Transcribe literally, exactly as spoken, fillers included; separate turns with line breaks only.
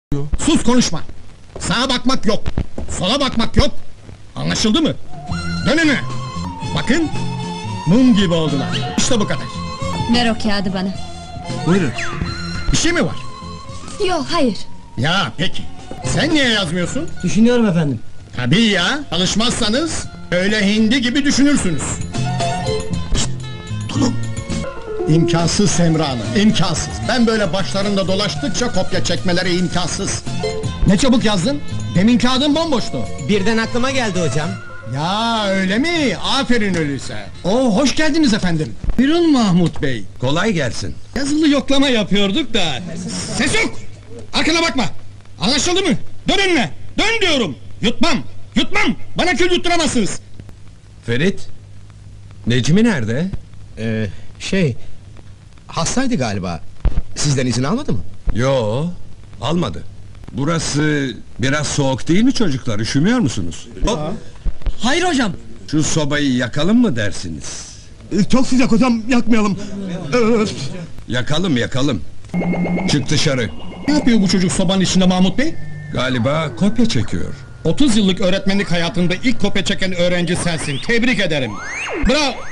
Sus, konuşma! Sağa bakmak yok, sola bakmak yok! Anlaşıldı mı? Dön önüne! Bakın, mum gibi oldular. İşte bu kadar.
Ver o kağıdı bana.
Buyurun. Bir şey mi var?
Yok, hayır.
Ya peki, sen niye yazmıyorsun?
Düşünüyorum efendim.
Tabii ya, çalışmazsanız öyle hindi gibi düşünürsünüz. Şşt, Durun! İmkansız Semra Hanım, imkansız! Ben böyle başlarında dolaştıkça kopya çekmeleri imkansız! Ne çabuk yazdın? Demin kağıdın bomboştu.
Birden aklıma geldi hocam.
Ya öyle mi? Aferin öyleyse! Oo, hoş geldiniz efendim! Buyurun Mahmut Bey!
Kolay gelsin.
Yazılı yoklama yapıyorduk da... Ses yok! Arkana bakma! Anlaşıldı mı? Dön önüne! Dön diyorum! Yutmam! Yutmam! Bana kül yutturamazsınız!
Ferit, Necmi nerede?
Ee, şey... Hastaydı galiba. Sizden izin almadı mı?
Yo, almadı. Burası biraz soğuk değil mi çocuklar? Üşümüyor musunuz? Hop,
Hayır hocam.
şu sobayı yakalım mı dersiniz?
Çok sıcak hocam, yakmayalım. Öf.
Yakalım, yakalım. Çık dışarı.
Ne yapıyor bu çocuk sobanın içinde Mahmut Bey?
Galiba kopya çekiyor.
otuz yıllık öğretmenlik hayatında ilk kopya çeken öğrenci sensin, tebrik ederim! Bravo!